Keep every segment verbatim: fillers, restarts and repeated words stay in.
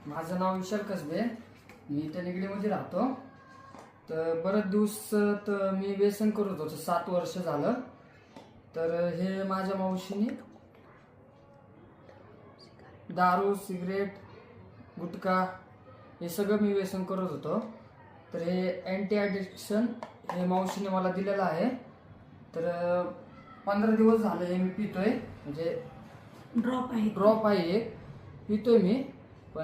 माझं नाव विशाल कसबे, मी इथे निगडीमध्ये राहतो. तर बरेच दिवस तर मी व्यसन करत होतो, सात वर्ष झालं. तर हे माझ्या मावशीने दारू, सिगरेट, गुटखा हे सगळं मी व्यसन करत होतो. तर हे अँटी ॲडिक्शन हे मावशीने मला दिलेलं आहे. तर पंधरा दिवस झाले हे मी पितोय, म्हणजे ड्रॉप आहे ड्रॉप आहे एक पितोय मी. पण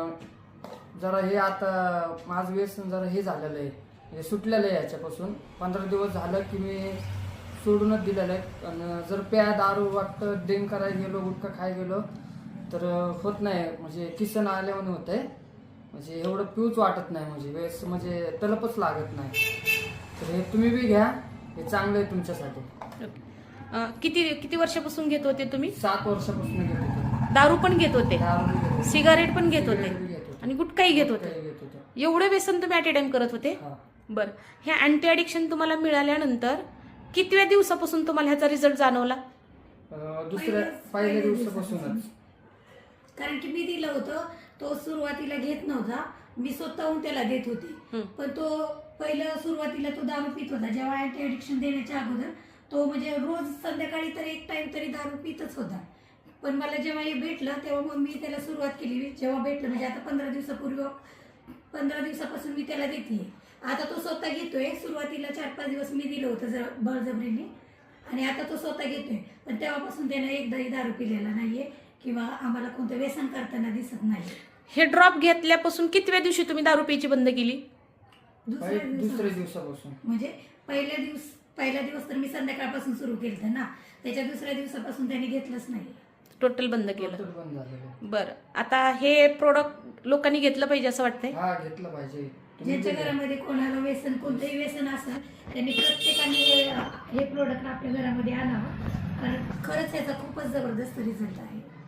जरा हे आता माझं व्यसन जरा हे झालेलं आहे, हे सुटलेलं आहे. याच्यापासून पंधरा दिवस झालं की मी सोडूनच दिलेलं आहे. आणि जर प्या दारू वाटतं ड्रिंक करायला गेलो, गुटखा खायला गेलो तर होत नाही, म्हणजे किसन आल्यावर होत आहे. म्हणजे एवढं पिऊच वाटत नाही, म्हणजे वेस म्हणजे तलपच लागत नाही. तर हे तुम्ही बी घ्या, हे चांगलं आहे तुमच्यासाठी. किती किती वर्षापासून घेत होते तुम्ही? सात वर्षापासून घेत होते. दारू पण घेत होते, दारू बी घेत होते, सिगारेट पण घेत होते सिगारेट बी घेत होते, आणि गुटखाही घेत होते. गुटखाही घेत होते. एवढे व्यसन तुम्ही ॲट ए टाइम करत होते? हा. बरं, हे अँटी ॲडिक्शन तुम्हाला मिळाल्यानंतर कितव्या दिवसापासून तुम्हाला ह्याचा रिझल्ट जाणवला? अं, दुसऱ्या पहिल्या दिवसापासूनच. कारण की मी दिलं होतं, तो सुरुवातीला घेत नव्हता, मी स्वतःहून त्याला देत होते. पण तो पहिलं सुरुवातीला तो दारू पित होता. जेव्हा अँटी ॲडिक्शन देण्याच्या अगोदर तो म्हणजे रोज संध्याकाळी तर एक टाइम तरी दारू पितच होता. पण मला जेव्हा हे भेटलं तेव्हा मग मी त्याला सुरुवात केली. जेव्हा भेटलं म्हणजे आता पंधरा दिवसापूर्वी पंधरा दिवसापासून मी त्याला देते. आता तो स्वतः घेतोय. सुरुवातीला चार पाच दिवस मी दिलं होतं जर बळजबरीने, आणि आता तो स्वतः घेतोय. पण तेव्हापासून त्यानं एकदाही दारू पिलेला नाहीये किंवा आम्हाला कोणतं व्यसन करताना दिसत नाही. हे ड्रॉप घेतल्यापासून कितव्या दिवशी तुम्ही दारू प्यायची बंद केली? दुसऱ्या दुसऱ्या दिवसापासून दिवसापासून. म्हणजे पहिल्या दिवस पहिला दिवस तर मी संध्याकाळपासून सुरू केलं ना, त्याच्या दुसऱ्या दिवसापासून त्याने घेतलंच नाही, टोटल बंद केलं. टोटल बंद झालेलं. बरं, आता हे प्रोडक्ट लोकांनी घेतलं पाहिजे असं वाटतंय? हा, घेतलं पाहिजे. तुम्ही ज्यांच्या बी घ्या. घरामध्ये कोणाला व्यसन कोणतंही व्यसन असेल त्यांनी प्रत्येकाने हे- हे प्रोडक्ट आपल्या घरामध्ये आणावं, कारण खरंच याचा खूपच जबरदस्त रिझल्ट आहे.